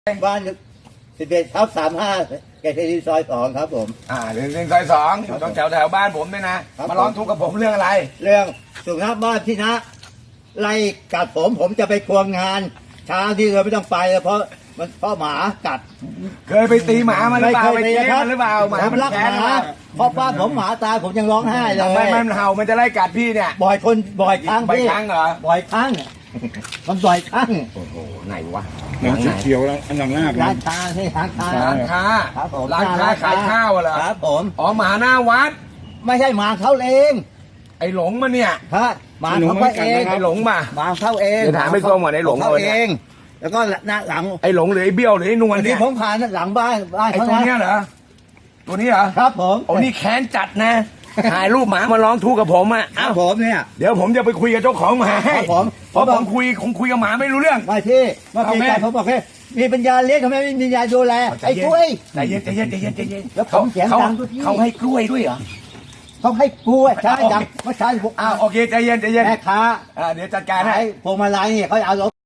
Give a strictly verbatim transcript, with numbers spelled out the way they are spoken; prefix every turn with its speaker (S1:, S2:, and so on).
S1: บ้านสิบเอ็ดทับสามห้าเกษตรซอยสองครับผม
S2: อ่าหนึ่งหนึ่งซอยสองอยู่ตรงแถวแถวบ้านผมเนี่ยนะมาร้องทุกข์กับผมเรื่องอะไร
S1: เรื่องสุนัขบ้านที่นะไล่กัดผมผมจะไปควงงานเช้าที่เราไม่ต้องไปเพราะมันเพราะหมากัด
S2: เคยไปตีหมามาหรือเปล่าไปตีมันหรือเปล่าหมา
S1: ผมรักหมาเพราะป้าผมหมาตายผมยังร้องไห้เลย
S2: ไม่ไม่มันเห่ามันจะไล่กัดพี่เนี่ย
S1: บ่อยคนบ่อยครั้ง
S2: บ่อยครั้งเหรอ
S1: บ่อยครั้งมันบ่อยครั้ง
S2: โอ้โหไหนวะ
S3: หนังเขียวแล้วอันหลังหน้า
S1: ร้านค้าที่ร้านค้า
S2: ร้านค้า
S1: ครับผม
S2: ร้านค้าขายข้าวเหรอ
S1: ครับผม
S2: อ๋อหมาหน้าวัด
S1: ไม่ใช่หมาเขาเอง
S2: ไอ้หลงมาเนี่ย
S1: ฮะหมาเขาเอง
S2: ไอ้หลงมา
S1: หมาเขาเอง
S2: จะถามไม่ตรงหมดไอ้หลง
S1: เขาเองแล้วก็หน้าหลัง
S2: ไอ้หลงหรือไอ้เบี้ยวหรือไอ้นวลเนี่ย
S1: ที่ผมผ่านหลังบ้านบ้าน
S2: ไอ้
S1: เขา
S2: ตัวเนี้ยเหรอตัวนี้เหรอ
S1: ครับผม
S2: โอ้นี่แค้นจัดนะถ่ายรูปหมามาร้องทุกข์กับผมอ่ะ
S1: ครับผมเนี่ย
S2: เดี๋ยวผมจะไปคุยกับเจ้าของหมาให้
S1: ผม
S2: เพราะผมคุยคงคุยกับหมาไม่รู้เรื่อง
S1: ไม่ที่เมื่อกี้ใจผมบอกแค่มีปัญญาเลี้ยงทำไมไม่มีปัญญาดูแลไอ้กล้วย
S2: ใจเย็นใจเย็นใจเย็นใจเย็น
S1: แล้วผมเสียงดังทุกที
S2: เขาให้กล้วยด้วยเหรอ
S1: เขาให้กล้วยใช่ดังเมื่อเช้าผม
S2: อ้าวโอเคใจเย็นใจเย็น
S1: แม่ค้า
S2: อ่าเดี๋ยวจัดการให้
S1: พวงมาลัยเนี่ยเขาเอารถ